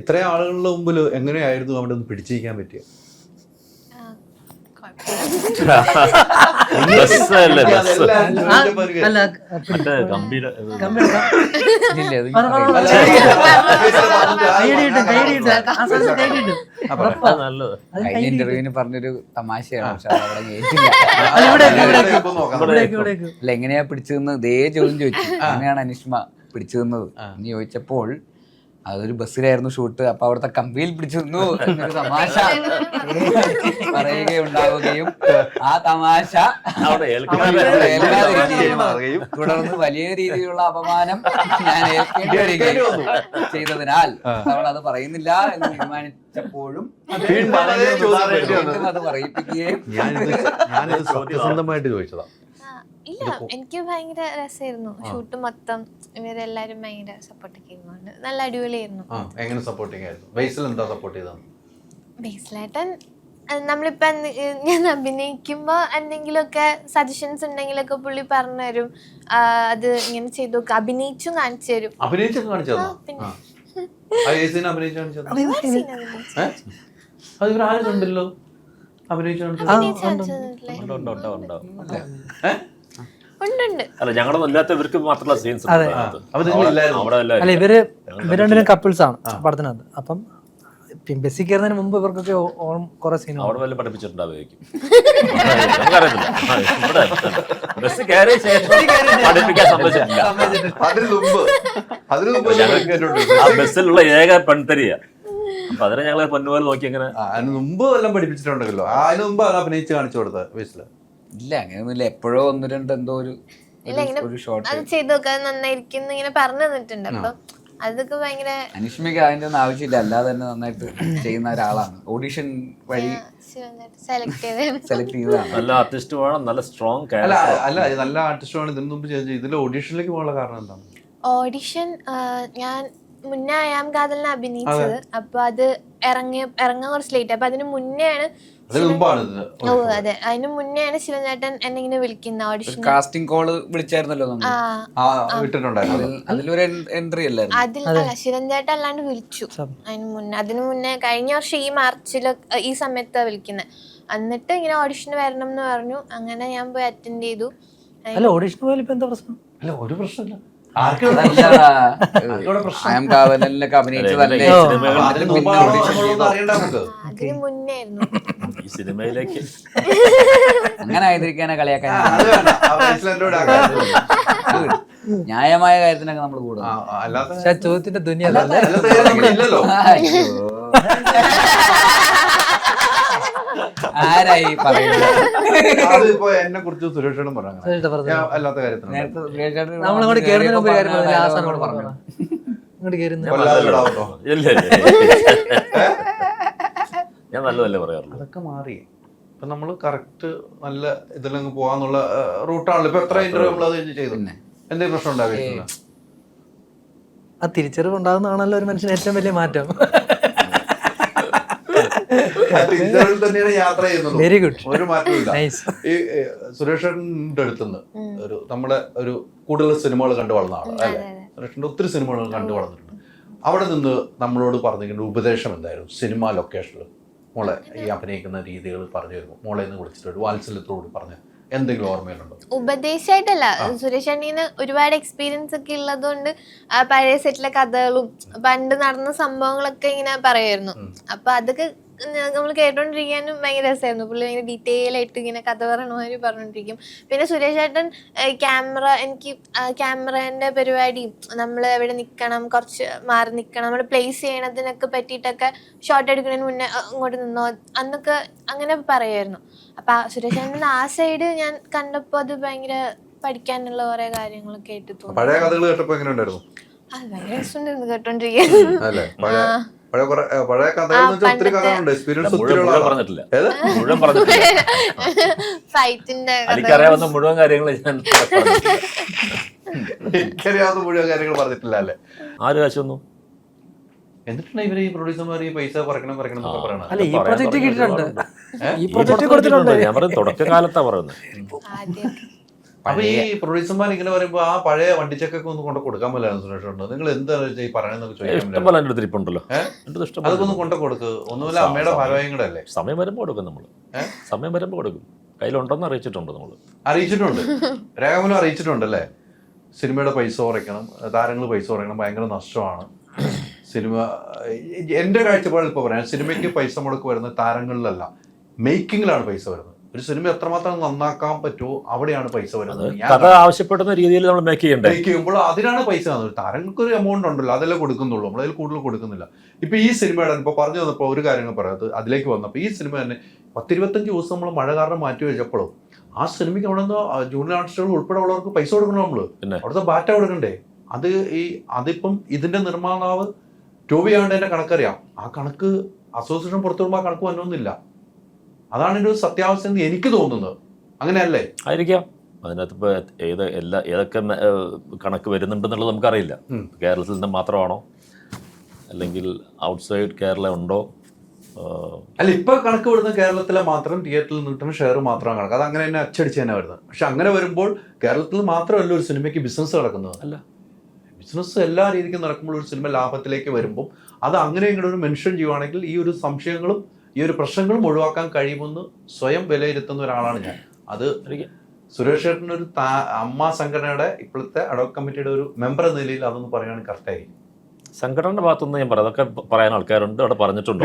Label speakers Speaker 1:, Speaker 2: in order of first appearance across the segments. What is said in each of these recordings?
Speaker 1: ഇത്രയും ആളുകളുടെ മുമ്പിൽ എങ്ങനെയായിരുന്നു അവിടെ ഒന്ന് പിടിച്ചിരിക്കാൻ പറ്റിയ?
Speaker 2: ഇന്റർവ്യൂവിന് പറഞ്ഞൊരു തമാശയാണ്, പക്ഷെ അവിടെ അല്ല എങ്ങനെയാ പിടിച്ചതെന്ന് ഇതേ ചോദ്യം ചോദിച്ചു. എങ്ങനെയാണ് അനിഷ്മ പിടിച്ചതെന്നത് എന്ന് ചോദിച്ചപ്പോൾ അതൊരു ബസ്സിലായിരുന്നു ഷൂട്ട്, അപ്പൊ അവിടുത്തെ കമ്പിയിൽ പിടിച്ചു നിന്നു എന്നൊരു തമാശ പറയുകയുണ്ടാവുകയും ആ തമാശ തുടർന്ന് വലിയ രീതിയിലുള്ള അപമാനം ഞാൻ ഏൽക്കേണ്ടി വരികയും ചെയ്തതിനാൽ അവൾ അത് പറയുന്നില്ല എന്ന് തീരുമാനിച്ചപ്പോഴും അത് പറയിപ്പിക്കുകയും
Speaker 1: സത്യസന്ധമായിട്ട് ചോദിച്ചതാ.
Speaker 3: ഇല്ല, എനിക്ക് ഭയങ്കര രസമായിരുന്നു ഷൂട്ട് മൊത്തം. ഇവരെല്ലാരും ഭയങ്കര സപ്പോർട്ടൊക്കെ ആയിരുന്നു, നല്ല അടിപൊളിയായിരുന്നു.
Speaker 1: എങ്ങനെ സപ്പോർട്ടിങ് ആയിരുന്നു? ബേസിൽ എന്താ സപ്പോർട്ട് ചെയ്തത്?
Speaker 3: ബേസിലായിട്ടൻ നമ്മളിപ്പോ ഞാൻ അഭിനയിക്കുമ്പോ എന്തെങ്കിലുമൊക്കെ സജഷൻസ് ഉണ്ടെങ്കിലൊക്കെ പുള്ളി പറഞ്ഞു തരും. അത് ഇങ്ങനെ ചെയ്തു നോക്ക്, അഭിനയിച്ചും കാണിച്ചു തരും.
Speaker 1: അഭിനയിച്ചൊക്കെ കാണിച്ചു
Speaker 3: പിന്നെ
Speaker 1: അത് ഇവരാരും കണ്ടല്ലോ. അഭിനയിച്ചു
Speaker 4: അല്ല ഞങ്ങളൊന്നും ഇല്ലാത്തവർക്ക് മാത്രമുള്ള സീൻസ്.
Speaker 5: അല്ല ഇവര് കപ്പിൾസ് ആണ് പടത്തിനകത്ത്. അപ്പം ബസ്സിൽ കയറുന്നതിന് മുമ്പ് ഇവർക്കൊക്കെ കുറെ സീൻ
Speaker 4: അവിടെ വല്ല പഠിപ്പിച്ചിട്ടുണ്ടാവുമായിരിക്കും, ബസ് കയറിയ ശേഷം പഠിപ്പിക്കാൻ സമ്മതിച്ചിട്ടില്ല. ബസ്സിലുള്ള ഏക പെൺതരിയ, അപ്പൊ അതിനെ ഞങ്ങളെ പൊന്നുപോലെ നോക്കി. അങ്ങനെ
Speaker 1: അതിന് മുമ്പ് എല്ലാം പഠിപ്പിച്ചിട്ടുണ്ടല്ലോ. അതിന് മുമ്പ് അഭിനയിച്ച് കാണിച്ചു കൊടുത്തത് ബേസില്?
Speaker 2: ഇല്ല, അങ്ങനെയൊന്നുമില്ല. എപ്പോഴോ ഒന്ന് രണ്ട് എന്തോ ഒരു ഷോട്ട്
Speaker 3: അത് ചെയ്ത് നോക്കാൻ നന്നായിരിക്കും ഇങ്ങനെ പറഞ്ഞു തന്നിട്ടുണ്ട്. അപ്പൊ അതൊക്കെ ഭയങ്കര
Speaker 2: അനിഷ്മയ്ക്ക് അതിന്റെ ഒന്നും ആവശ്യമില്ല, അല്ലാതെ തന്നെ നന്നായിട്ട് ചെയ്യുന്ന ഒരാളാണ്. ഓഡിഷൻ വഴി
Speaker 3: സെലക്ട്
Speaker 2: ചെയ്തതാണ്.
Speaker 4: നല്ല ആർട്ടിസ്റ്റ് വേണം, നല്ല സ്ട്രോങ്.
Speaker 1: അല്ല നല്ല ആർട്ടിസ്റ്റ് വേണം. ഇതിനു മുമ്പ് ഇതിൽ ഓഡീഷനിലേക്ക് പോകാനുള്ള കാരണം എന്താണ്?
Speaker 3: ഓഡിഷൻ ഞാൻ മുന്നേ അയാം കാതലിനെ അഭിനയിച്ചത്. അപ്പൊ അത് ഇറങ്ങാൻ കുറച്ച് ലേറ്റ്. അപ്പൊ അതിന് മുന്നെയാണ് അതെ അതിന് മുന്നെയാണ് ശിവചേട്ടൻ എന്നെ ഇങ്ങനെ വിളിക്കുന്നത് ഓഡിഷൻ.
Speaker 2: കാസ്റ്റിംഗ് കോള് വിളിച്ചായിരുന്നല്ലോ അതിലൊരു എൻട്രി അല്ലായിരുന്നു.
Speaker 3: അതിൽ ശിവചേട്ടൻ അല്ലാണ്ട് വിളിച്ചു അതിന് മുന്നേ കഴിഞ്ഞ വർഷം ഈ മാർച്ചില് ഈ സമയത്താ വിളിക്കുന്നത്. എന്നിട്ട് ഇങ്ങനെ ഓഡിഷന് വരണം എന്ന് പറഞ്ഞു. അങ്ങനെ ഞാൻ പോയി അറ്റൻഡ് ചെയ്തു.
Speaker 5: ഓഡിഷൻ പോയാലും ഇപ്പൊ എന്താ പ്രശ്നം?
Speaker 1: അല്ല ഒരു പ്രശ്നമില്ല.
Speaker 2: കാവലിലൊക്കെ അഭിനയിച്ചതല്ലേ,
Speaker 3: അതിന് മുന്നേ
Speaker 4: ഈ സിനിമയിലേക്ക്
Speaker 2: അങ്ങനെ ആയിരിക്കാനാ കളിയാക്കാൻ. ന്യായമായ കാര്യത്തിനൊക്കെ നമ്മൾ കൂടുതൽ
Speaker 5: ചോദ്യത്തിന്റെ ദുനിയല്ലേ.
Speaker 2: ആരായി പറയുന്നത്?
Speaker 1: അതിപ്പോ എന്നെ കുറിച്ച് സുരേഷനും പറഞ്ഞു അല്ലാത്ത കാര്യത്തിൽ
Speaker 5: നമ്മളിങ്ങോട്ട് കേറുന്നതിന് മുമ്പ് കാര്യം പറഞ്ഞു. ഇങ്ങോട്ട് കേറുന്ന
Speaker 4: ഞാൻ നല്ലതല്ലേ പറയാറുള്ളൂ.
Speaker 1: അതൊക്കെ മാറി. ഇപ്പൊ നമ്മള് കറക്റ്റ് നല്ല ഇതിലങ്ങ് പോവാന്നുള്ള റൂട്ടാണല്ലോ. ഇപ്പൊ എത്ര ഇന്റർവ്യൂ നമ്മൾ അത് ചെയ്തു, എന്തെങ്കിലും പ്രശ്നം ഉണ്ടാവില്ല.
Speaker 5: ആ തിരിച്ചറിവ് ഉണ്ടാകുന്നതാണല്ലോ ഒരു മനുഷ്യന് ഏറ്റവും വലിയ മാറ്റം.
Speaker 1: തന്നെയാണ് യാത്ര ചെയ്യുന്നത്.
Speaker 5: വെരി ഗുഡ്,
Speaker 1: ഒരു മാറ്റമില്ല. ഈ സുരേഷിന്റെ അടുത്തുനിന്ന് ഒരു നമ്മളെ ഒരു കൂടുതൽ സിനിമകൾ കണ്ടു വളർന്ന ആള് അല്ലെ? സുരേഷിന്റെ ഒത്തിരി സിനിമകൾ കണ്ടു വളർന്നിട്ടുണ്ട്. അവിടെ നിന്ന് നമ്മളോട് പറഞ്ഞിരിക്കുന്ന ഉപദേശം എന്തായിരുന്നു? സിനിമ ലൊക്കേഷനിൽ മോളെ ഈ അഭിനയിക്കുന്ന രീതികൾ പറഞ്ഞു തരുമോ? മോളെ എന്ന് വിളിച്ചിട്ട് ഒരു വാത്സല്യത്തോട് പറഞ്ഞ എന്തെങ്കിലും ഓർമ്മയിലുണ്ടോ?
Speaker 3: ഉപദേശമായിട്ടല്ല, സുരേഷ് അണ്ണീന് ഒരുപാട് എക്സ്പീരിയൻസ് ഒക്കെ ഉള്ളതുകൊണ്ട് പഴയ സെറ്റിലെ കഥകളും പണ്ട് നടന്ന സംഭവങ്ങളൊക്കെ ഇങ്ങനെ പറയുമായിരുന്നു. അപ്പൊ അതൊക്കെ നമ്മൾ കേട്ടോണ്ടിരിക്കാനും ഭയങ്കര രസമായിരുന്നു. പുള്ളി ഭയങ്കര ഡീറ്റെയിൽ ആയിട്ട് ഇങ്ങനെ കഥ പറയണമാതിരി പറഞ്ഞോണ്ടിരിക്കും. പിന്നെ സുരേഷ് ഏട്ടൻ എനിക്ക് ക്യാമറേന്റെ പരിപാടിയും നമ്മൾ എവിടെ നിൽക്കണം, കുറച്ച് മാറി നിൽക്കണം, നമ്മൾ പ്ലേസ് ചെയ്യണതിനൊക്കെ പറ്റിയിട്ടൊക്കെ ഷോട്ട് എടുക്കുന്നതിന് മുന്നേ അങ്ങോട്ട് നിന്നോ എന്നൊക്കെ അങ്ങനെ പറയുമായിരുന്നു. അപ്പൊ സുരേഷ് ഏട്ടൻ ആ സൈഡ് ഞാൻ കണ്ടപ്പോ അത് ഭയങ്കര പഠിക്കാനുള്ള കുറെ കാര്യങ്ങളൊക്കെ ആയിട്ട് തോന്നി.
Speaker 1: പഴയ കഥകൾ കേട്ടപ്പോ എങ്ങനെ ഉണ്ടായിരുന്നു?
Speaker 3: അത് ഭയങ്കര രസമുണ്ടായിരുന്നു കേട്ടോണ്ടിരിക്കാൻ.
Speaker 1: പഴയ കഥകളുണ്ട്, എക്സ്പീരിയൻസ്
Speaker 4: പറഞ്ഞിട്ടില്ല, മുഴുവൻ പറഞ്ഞിട്ടില്ല. എനിക്കറിയാവുന്ന മുഴുവൻ കാര്യങ്ങൾ
Speaker 1: എനിക്കറിയാവുന്ന മുഴുവൻ കാര്യങ്ങൾ പറഞ്ഞിട്ടില്ല അല്ലേ?
Speaker 4: ആര് കാശൊന്നും.
Speaker 1: എന്നിട്ടാണ് ഇവര് ഈ പ്രൊഡ്യൂസർമാർ ഈ പൈസ പറയണം പറയണം.
Speaker 5: അല്ല, ഈ പ്രൊജക്ട് കിട്ടിയിട്ടുണ്ട്,
Speaker 4: ഞാൻ പറയും തുടക്കകാലത്താ പറയുന്നത്.
Speaker 1: അപ്പൊ ഈ പ്രൊഡ്യൂസർമാർ ഇങ്ങനെ പറയുമ്പോ ആ പഴയ വണ്ടിച്ചക്കൊക്കെ ഒന്ന് കൊണ്ട് കൊടുക്കാൻ പറ്റില്ല സുരേഷ് ഉണ്ട്. നിങ്ങൾ എന്താണ് ഈ പറയുന്നത് ചോദിക്കാൻ
Speaker 4: ഇഷ്ടംപോലെ എൻ്റെ അടുത്ത് ഇരിപ്പുണ്ടല്ലോ.
Speaker 1: അതൊക്കെ ഒന്ന് കൊണ്ട് കൊടുക്ക്. ഒന്നുമില്ല, അമ്മയുടെ ഭാരവായും കൂടെ അല്ലേ.
Speaker 4: സമയം വരുമ്പോൾ കൊടുക്കും നമ്മൾ. സമയം വരുമ്പോൾ കൊടുക്കും. കയ്യിലുണ്ടെന്ന് അറിയിച്ചിട്ടുണ്ട് നമ്മൾ.
Speaker 1: അറിയിച്ചിട്ടുണ്ട്, രേഖാമൂലം അറിയിച്ചിട്ടുണ്ട് അല്ലേ. സിനിമയുടെ പൈസ കുറയ്ക്കണം, താരങ്ങൾ പൈസ കുറയ്ക്കണം, ഭയങ്കര നഷ്ടമാണ് സിനിമ. എൻ്റെ കാഴ്ചപ്പാടിൽ ഇപ്പോൾ പറയാം, സിനിമയ്ക്ക് പൈസ മുടക്ക് വരുന്നത് താരങ്ങളിലല്ല, മേക്കിങ്ങിലാണ് പൈസ വരുന്നത്. ഒരു സിനിമ എത്രമാത്രം നന്നാക്കാൻ പറ്റുമോ അവിടെയാണ് പൈസ വരുന്നത്.
Speaker 4: കഥ ആവശ്യപ്പെടുന്ന രീതിയിൽ നമ്മൾ മേക്ക് ചെയ്യണ്ടേ.
Speaker 1: മേക്ക് ചെയ്യുമ്പോൾ അതിനാണ് പൈസ തന്നത്. താരങ്ങൾക്ക് ഒരു എമൗണ്ട് ഉണ്ടല്ലോ, അതല്ലേ കൊടുക്കുന്നുള്ളൂ, നമ്മളതിൽ കൂടുതൽ കൊടുക്കുന്നില്ല. ഇപ്പൊ ഈ സിനിമയുടെ ഇപ്പോൾ പറഞ്ഞു വന്നപ്പോൾ ഒരു കാര്യങ്ങൾ പറയാം, അതിലേക്ക് വന്നപ്പോൾ ഈ സിനിമ തന്നെ 10-25 ദിവസം നമ്മൾ മഴ കാരണം മാറ്റി വെച്ചപ്പോഴും ആ സിനിമയ്ക്ക് അവിടെ നിന്ന് ജൂനിയർ ആർട്ടിസ്റ്റുകൾ ഉൾപ്പെടെ ഉള്ളവർക്ക് പൈസ കൊടുക്കണം. നമ്മള് അവിടുത്തെ ബാറ്റ കൊടുക്കണ്ടേ. അതിപ്പം ഇതിന്റെ നിർമ്മാതാവ് ടോബി ആണ്ടതിന്റെ കണക്കറിയാം. ആ കണക്ക് അസോസിയേഷൻ പുറത്തു വരുമ്പോൾ ആ കണക്ക് വന്നൊന്നുമില്ല. അതാണ് എൻ്റെ ഒരു സത്യാവസ്ഥ എന്ന് എനിക്ക് തോന്നുന്നത്. അങ്ങനെയല്ലേ
Speaker 4: ആയിരിക്കാം. അതിനകത്ത് ഇപ്പോൾ ഏതൊക്കെ കണക്ക് വരുന്നുണ്ടെന്നുള്ളത് നമുക്കറിയില്ല. കേരളത്തിൽ നിന്ന് മാത്രമാണോ അല്ലെങ്കിൽ ഔട്ട്സൈഡ് കേരള ഉണ്ടോ?
Speaker 1: അല്ല, ഇപ്പൊ കണക്ക് വിടുന്ന കേരളത്തിലെ മാത്രം തിയേറ്ററിൽ കിട്ടുന്ന ഷെയർ മാത്രമാണ് കണക്ക്. അത് അങ്ങനെ തന്നെ അച്ചടിച്ച് തന്നെ വരുന്നത്. പക്ഷെ അങ്ങനെ വരുമ്പോൾ കേരളത്തിൽ മാത്രമല്ല ഒരു സിനിമയ്ക്ക് ബിസിനസ് നടക്കുന്നത്. അല്ല, ബിസിനസ് എല്ലാ രീതിക്കും നടക്കുമ്പോൾ ഒരു സിനിമ ലാഭത്തിലേക്ക് വരുമ്പോൾ അത് അങ്ങനെ ഇങ്ങനെ ഒരു മെൻഷൻ ചെയ്യുവാണെങ്കിൽ ഈ ഒരു സംശയങ്ങളും ഈ ഒരു പ്രശ്നങ്ങളും ഒഴിവാക്കാൻ കഴിയുമെന്ന് സ്വയം വിലയിരുത്തുന്ന ഒരാളാണ് ഞാൻ. അത് സുരേഷ് ചേട്ടൻ്റെ ഒരു അമ്മ സംഘടനയുടെ ഇപ്പോഴത്തെ അഡോക് കമ്മിറ്റിയുടെ ഒരു മെമ്പർ എന്ന നിലയിൽ അതൊന്ന് പറയുകയാണെങ്കിൽ കറക്റ്റായി.
Speaker 4: സംഘടനയുടെ ഭാഗത്തുനിന്ന് ഞാൻ പറയാം, അതൊക്കെ പറയാൻ ആൾക്കാരുണ്ട്, അവിടെ പറഞ്ഞിട്ടുണ്ട്.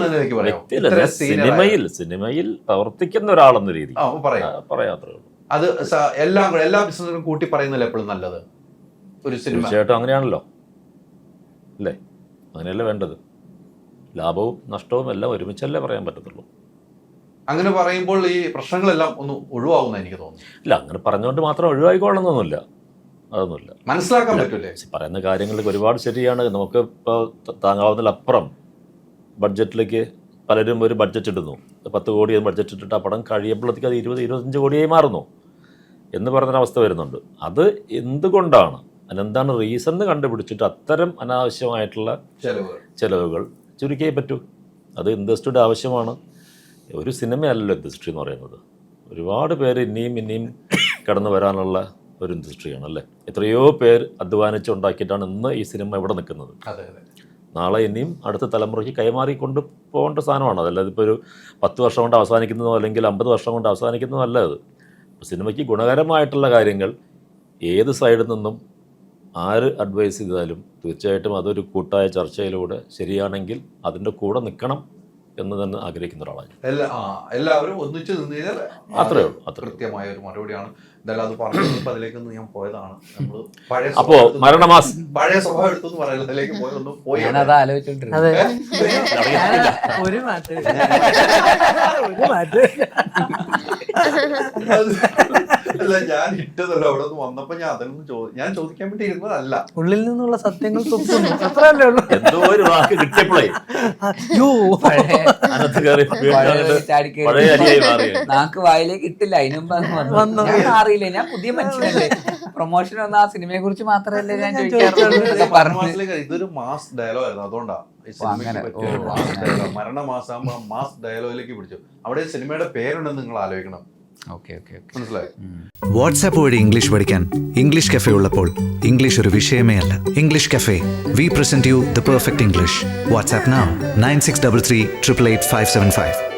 Speaker 4: സിനിമയിൽ പ്രവർത്തിക്കുന്ന ഒരാളെന്ന രീതി പറയാത്രേ ഉള്ളൂ.
Speaker 1: അത് എല്ലാ ബിസിനസ്സിനും കൂട്ടി പറയുന്നില്ല എപ്പോഴും നല്ലത് ഒരു സിനിമ.
Speaker 4: തീർച്ചയായിട്ടും അങ്ങനെയാണല്ലോ അല്ലേ, അങ്ങനെയല്ലേ വേണ്ടത്. ലാഭവും നഷ്ടവും എല്ലാം ഒരുമിച്ചല്ലേ പറയാൻ പറ്റത്തുള്ളൂ.
Speaker 1: അങ്ങനെ പറയുമ്പോൾ ഈ പ്രശ്നങ്ങളെല്ലാം ഒന്ന് ഒഴിവാകുന്ന എനിക്ക് തോന്നുന്നു.
Speaker 4: ഇല്ല, അങ്ങനെ പറഞ്ഞുകൊണ്ട് മാത്രം ഒഴിവായിക്കൊള്ളണമെന്നൊന്നുമില്ല, അതൊന്നുമില്ല.
Speaker 1: മനസ്സിലാക്കാൻ പറ്റൂലേ
Speaker 4: പറയുന്ന കാര്യങ്ങൾക്ക് ഒരുപാട് ശരിയാണ്. നമുക്ക് ഇപ്പോൾ താങ്ങാവുന്നതിലപ്പുറം ബഡ്ജറ്റിലേക്ക് പലരും ഒരു ബഡ്ജറ്റ് ഇടുന്നു. 10 കോടി ബഡ്ജറ്റ് ഇട്ടിട്ട് ആ പടം കഴിയുമ്പോഴത്തേക്ക് അത് 20-25 കോടിയായി മാറുന്നു എന്ന് പറയുന്നൊരവസ്ഥ വരുന്നുണ്ട്. അത് എന്തുകൊണ്ടാണ്, അതിനെന്താണ് റീസൺ എന്ന് കണ്ടുപിടിച്ചിട്ട് അത്തരം അനാവശ്യമായിട്ടുള്ള ചിലവുകൾ ചുരുക്കിയേ പറ്റൂ. അത് ഇൻഡസ്ട്രിയുടെ ആവശ്യമാണ്. ഒരു സിനിമയല്ലല്ലോ ഇൻഡസ്ട്രി എന്ന് പറയുന്നത്. ഒരുപാട് പേര് ഇനിയും കടന്നു വരാനുള്ള ഒരു ഇൻഡസ്ട്രിയാണ് അല്ലേ. എത്രയോ പേർ അധ്വാനിച്ച് ഉണ്ടാക്കിയിട്ടാണ് ഇന്ന് ഈ സിനിമ ഇവിടെ നിൽക്കുന്നത്. നാളെ ഇനിയും അടുത്ത തലമുറയ്ക്ക് കൈമാറിക്കൊണ്ട് പോകേണ്ട സാധനമാണ്. അതല്ലാതെ ഇപ്പോൾ ഒരു 10 വർഷം കൊണ്ട് അവസാനിക്കുന്നതോ അല്ലെങ്കിൽ 50 വർഷം കൊണ്ട് അവസാനിക്കുന്നതോ അല്ല അത്. സിനിമയ്ക്ക് ഗുണകരമായിട്ടുള്ള കാര്യങ്ങൾ ഏത് സൈഡിൽ നിന്നും ആര് അഡ്വൈസ് ചെയ്താലും തീർച്ചയായിട്ടും അതൊരു കൂട്ടായ ചർച്ചയിലൂടെ ശരിയാണെങ്കിൽ അതിൻ്റെ കൂടെ നിൽക്കണം എന്ന് തന്നെ ആഗ്രഹിക്കുന്ന ഒരാളാണ്.
Speaker 1: എല്ലാവരും ഒന്നിച്ച് നിന്ന് കഴിഞ്ഞാൽ
Speaker 4: അത്രേ ഉള്ളൂ.
Speaker 1: കൃത്യമായ ഒരു മറുപടിയാണ്. എന്തായാലും അത് പറഞ്ഞപ്പോൾ അതിലേക്കൊന്ന് ഞാൻ പോയതാണ്. നമ്മൾ
Speaker 4: അപ്പോ മരണമാസം
Speaker 1: പഴയ സ്വഭാവം എടുത്തു പറയുന്നത് അതിലേക്ക് പോയൊന്നും പോയി
Speaker 5: ഒരു മാറ്റം
Speaker 1: അല്ല, ഞാൻ ഇട്ടതല്ല. അവിടെ നിന്ന് വന്നപ്പോ ഞാൻ അതൊന്നും ഞാൻ ചോദിക്കാൻ വേണ്ടി ഇരുന്നതല്ല.
Speaker 5: ഉള്ളിൽ നിന്നുള്ള സത്യങ്ങൾ തുപ്പുന്നു, അത്രയല്ലേ ഉള്ളൂ.
Speaker 4: എന്തോ ഒരു വാക്ക് കിട്ടിയപ്പോഴേ
Speaker 2: നാക്ക് വായിലേക്ക് ഇട്ടില്ല. അതിനുമ്പ് അറിയില്ല, ഞാൻ പുതിയ മനുഷ്യനല്ലേ. പ്രൊമോഷൻ വന്ന ആ സിനിമയെ കുറിച്ച് മാത്രമല്ലേ ഞാൻ ചോദിക്കാറുള്ളൂ.
Speaker 1: ഇതൊരു മാസ് ഡയലോഗ് ആയിരുന്നു, അതുകൊണ്ടാ മരണമാസാകുമ്പോ മാസ് ഡയലോഗിലേക്ക് പിടിച്ചു. അവിടെ സിനിമയുടെ പേരുണ്ടെന്ന് നിങ്ങൾ ആലോചിക്കണം. മനസ്സിലായി.
Speaker 6: വാട്സാപ്പ് വഴി ഇംഗ്ലീഷ് പഠിക്കാൻ ഇംഗ്ലീഷ് കഫേ ഉള്ളപ്പോൾ ഇംഗ്ലീഷ് ഒരു വിഷയമേ അല്ല. English cafe, we present you the perfect English. WhatsApp now 9633 888 575.